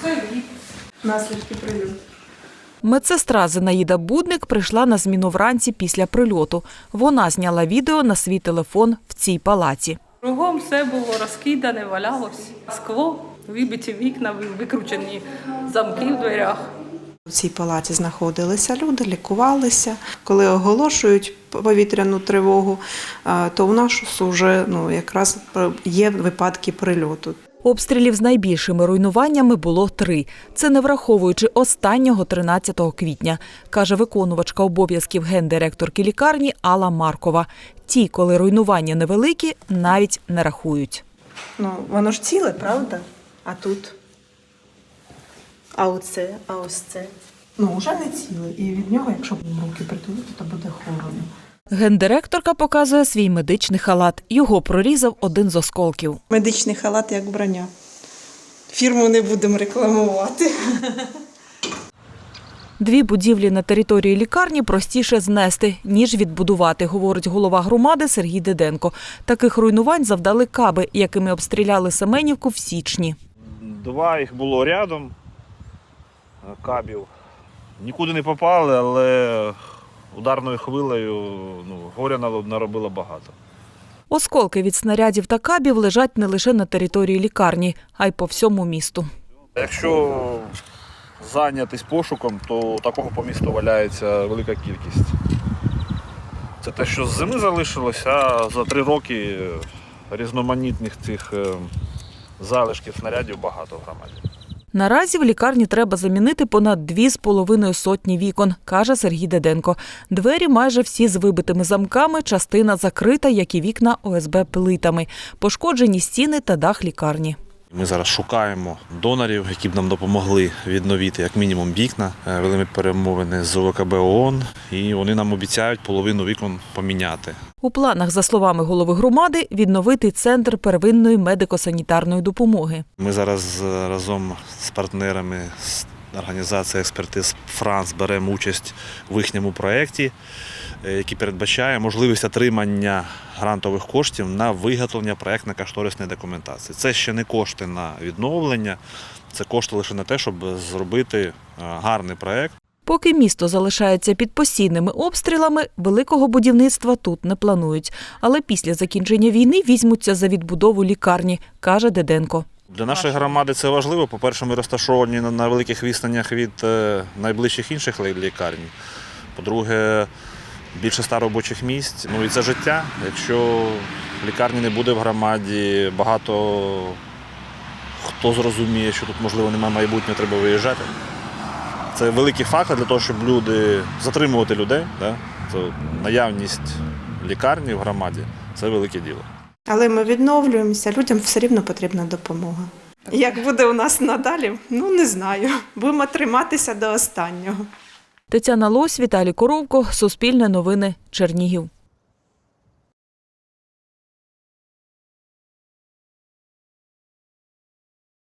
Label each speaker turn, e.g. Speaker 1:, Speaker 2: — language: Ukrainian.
Speaker 1: Це наслідки прильоту.
Speaker 2: Медсестра Зинаїда Будник прийшла на зміну вранці після прильоту. Вона зняла відео на свій телефон в цій палаці.
Speaker 1: Кругом все було розкидане, валялось. Скло, вибиті вікна, викручені замки в дверях.
Speaker 3: У цій палаті знаходилися люди, лікувалися. Коли оголошують повітряну тривогу, то у нас вже якраз є випадки прильоту.
Speaker 2: Обстрілів з найбільшими руйнуваннями було 3. Це не враховуючи останнього 13 квітня, каже виконувачка обов'язків гендиректорки лікарні Алла Маркова. Ті, коли руйнування невеликі, навіть не рахують.
Speaker 3: Воно ж ціле, правда? А тут? А оце? А ось це? Вже не ціле. І від нього, якщо руки притулити, то буде холодно.
Speaker 2: Гендиректорка показує свій медичний халат. Його прорізав один з осколків.
Speaker 3: Медичний халат як броня. Фірму не будемо рекламувати.
Speaker 2: 2 будівлі на території лікарні простіше знести, ніж відбудувати, говорить голова громади Сергій Деденко. Таких руйнувань завдали каби, якими обстріляли Семенівку в січні.
Speaker 4: 2 їх було рядом, кабів. Нікуди не попали, але ударною хвилею горя наробило багато.
Speaker 2: Осколки від снарядів та кабів лежать не лише на території лікарні, а й по всьому місту.
Speaker 4: Якщо зайнятись пошуком, то такого по місту валяється велика кількість. Це те, що з зими залишилося, а за 3 роки різноманітних цих залишків снарядів багато в громаді.
Speaker 2: Наразі в лікарні треба замінити понад 2,5 сотні вікон, каже Сергій Деденко. Двері майже всі з вибитими замками, частина закрита, як і вікна ОСБ плитами. Пошкоджені стіни та дах лікарні.
Speaker 4: Ми зараз шукаємо донорів, які б нам допомогли відновити як мінімум вікна. Вели ми перемовини з ОВКБ ООН, і вони нам обіцяють половину вікон поміняти.
Speaker 2: У планах, за словами голови громади, відновити центр первинної медико-санітарної допомоги.
Speaker 4: Ми зараз разом з партнерами з організації експертиз «Франс» беремо участь в їхньому проєкті, який передбачає можливість отримання грантових коштів на виготовлення проєктно-кошторисної документації. Це ще не кошти на відновлення, це кошти лише на те, щоб зробити гарний проєкт.
Speaker 2: Поки місто залишається під постійними обстрілами, великого будівництва тут не планують. Але після закінчення війни візьмуться за відбудову лікарні, каже Деденко.
Speaker 4: Для нашої громади це важливо. По-перше, ми розташовані на великих відстанях від найближчих інших лікарень. По-друге, більше 100 робочих місць. І це життя. Якщо лікарні не буде в громаді, багато хто зрозуміє, що тут, можливо, немає майбутнього, треба виїжджати. Це великий фактор для того, щоб затримувати людей. Це наявність лікарні в громаді – це велике діло.
Speaker 3: Але ми відновлюємося, людям все рівно потрібна допомога. Як буде у нас надалі, не знаю. Будемо триматися до останнього.
Speaker 2: Тетяна Лось, Віталій Коровко, Суспільне новини, Чернігів.